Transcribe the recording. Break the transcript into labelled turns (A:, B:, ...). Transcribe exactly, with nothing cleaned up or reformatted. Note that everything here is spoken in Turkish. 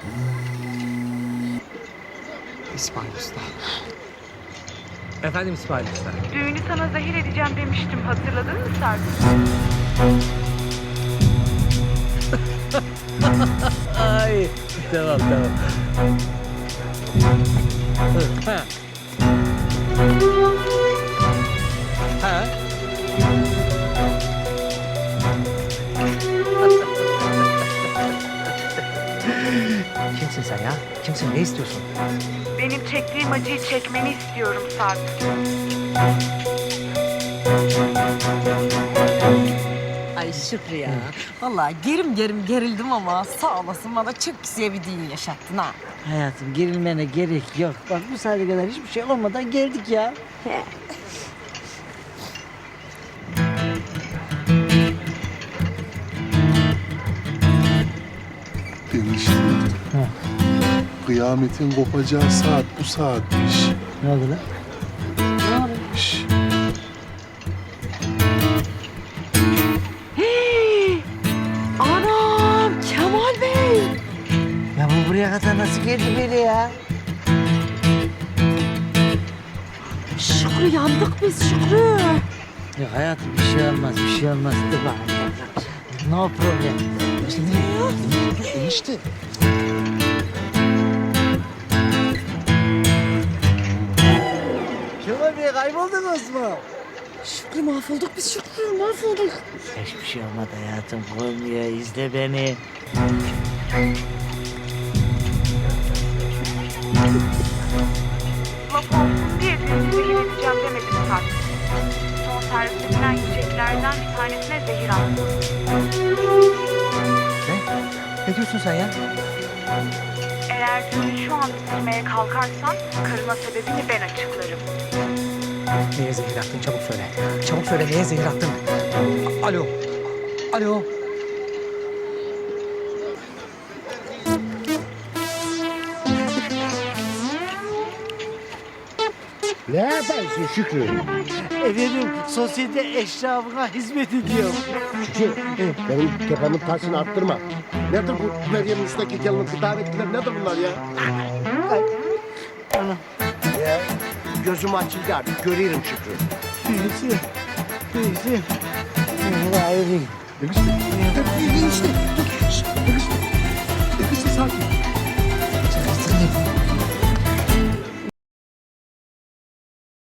A: İsmail Usta. Efendim İsmail Usta.
B: Düğünü sana zehir edeceğim demiştim. Hatırladın mı Sarp?
A: Ay tamam tamam. Ha. Ha. Kimsin sen ya? Kimsin? Ne istiyorsun?
B: Benim çektiğim acıyı çekmeni istiyorum Sarp.
C: Ay Şükrü ya. Vallahi gerim gerim gerildim ama sağ olasın bana çok güzel bir düğün yaşattın ha.
D: Hayatım gerilmene gerek yok. Bak bu saate kadar hiçbir şey olmadan geldik ya.
E: Enişte. Kıyametin kopacağı saat bu saatmiş.
D: Ne oldu lan?
E: Şş,
C: Anam Kemal Bey.
D: Ya bu buraya kadar nasıl geldi böyle ya?
C: Şükrü yandık biz Şükrü.
D: Yok hayatım bir şey olmaz, bir şey olmaz. Dur bakalım. No problem.
E: enişte.
D: Kemal Bey kayboldunuz mu?
C: Şükrü mahvolduk biz Şükrü mahvolduk.
D: Hiçbir şey olmadı hayatım. Koymuyor, izle beni.
B: Laf olsun diye düğünü zehir edeceğim demedim Sarp. Son servis edilen yiyeceklerden bir tanesine zehir attım.
A: Ne? Ne diyorsun sen ya?
B: Eğer düğünü şu an bitirmeye kalkarsan karına sebebini ben açıklarım.
A: Neye zehir attın? Çabuk söyle. Çabuk söyle neye zehir attın? A- Alo. Alo.
F: Ne yaparsın Şükrü?
D: Efendim sosyete eşrafına hizmet ediyorum.
F: Şükrü, benim tepemin taşını arttırma. Nedir bu Meryem'in üstteki gelinin davetliler, nedir bunlar ya?
D: Ana.
F: Ya, gözüm açıldı artık, görüyorum Şükrü.
D: Neyse. Neyse. Allah ayrı.
F: Enişte, enişte, dur, şşt, enişte, enişte sakin.